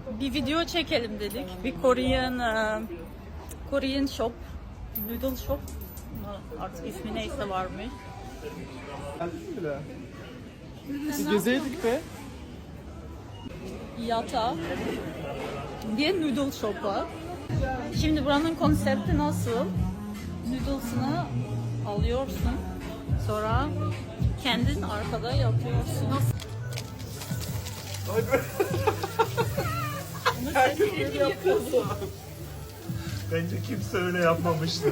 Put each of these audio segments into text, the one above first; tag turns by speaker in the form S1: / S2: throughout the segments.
S1: bir video çekelim dedik. Bir Korean shop, noodle shop. Artık ismi neyse varmış.
S2: Geldin bile. Bir gezeydik be.
S1: Yata diye noodle shop var. Şimdi buranın konsepti nasıl? Noodles'ını alıyorsun. Sonra kendin arkada yapıyorsun.
S2: Herkes böyle yapıyorsun.
S3: Bence kimse öyle yapmamıştır.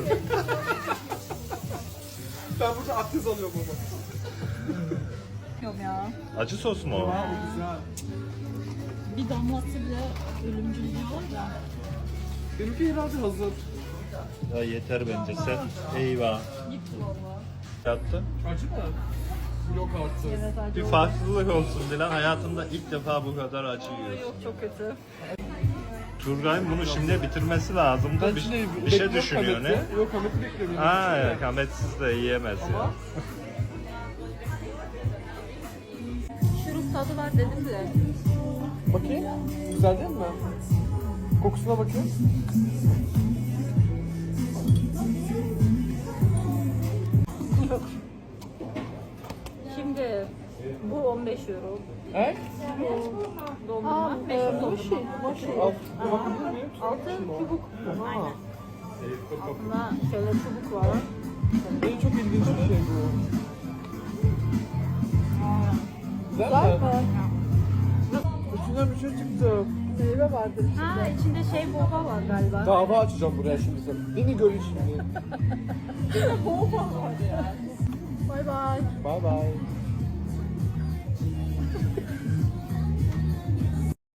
S2: Ben burada aktif alıyorum ama.
S1: Yok ya.
S3: Acı sos mu o?
S2: Aa, bu güzel.
S1: Bir damlası bile ölümcül var ya.
S2: Benimki herhalde hazır.
S3: Ya yeter bence sen. Eyvah.
S1: Gitti valla.
S3: Yattı.
S2: Acı mı? Yok artık.
S1: Evet acı
S3: Bir
S1: oldu.
S3: farklılık olsun Dilan. Hayatımda ilk defa bu kadar acı
S1: Aa,
S3: yiyorsun.
S1: yok çok kötü.
S3: Turgay'ın bunu şimdi bitirmesi lazımdı.
S2: Ben
S3: Bir,
S2: şimdi
S3: bir şey
S2: bekliyorum
S3: düşünüyor ne?
S2: Hamet'i. Yok Hamet'i beklemiyorum.
S3: Ha
S2: Şimdi.
S3: ya, kametsiz de yiyemez ya.
S2: Ama
S1: Şurup tadı var dedim de.
S2: bakayım. Güzel değil mi? Kokusuna bakayım.
S1: Şimdi bu 15 euro.
S2: Evet.
S1: Dondurma 5 euro dondurma.
S2: Al. Bir bakabilir miyim?
S1: Altı çubuk.
S2: Aa.
S1: Altında şöyle çubuk var.
S2: Benim çok ilginç bir şey bu. Güzel mi? İçinden bir şey çıktı. Meyve vardır içinde.
S1: Ha içinde şey boba var galiba.
S2: Dava açacağım buraya şimdi sen. Beni görün şimdi.
S1: Bay bay.
S2: Bye bye.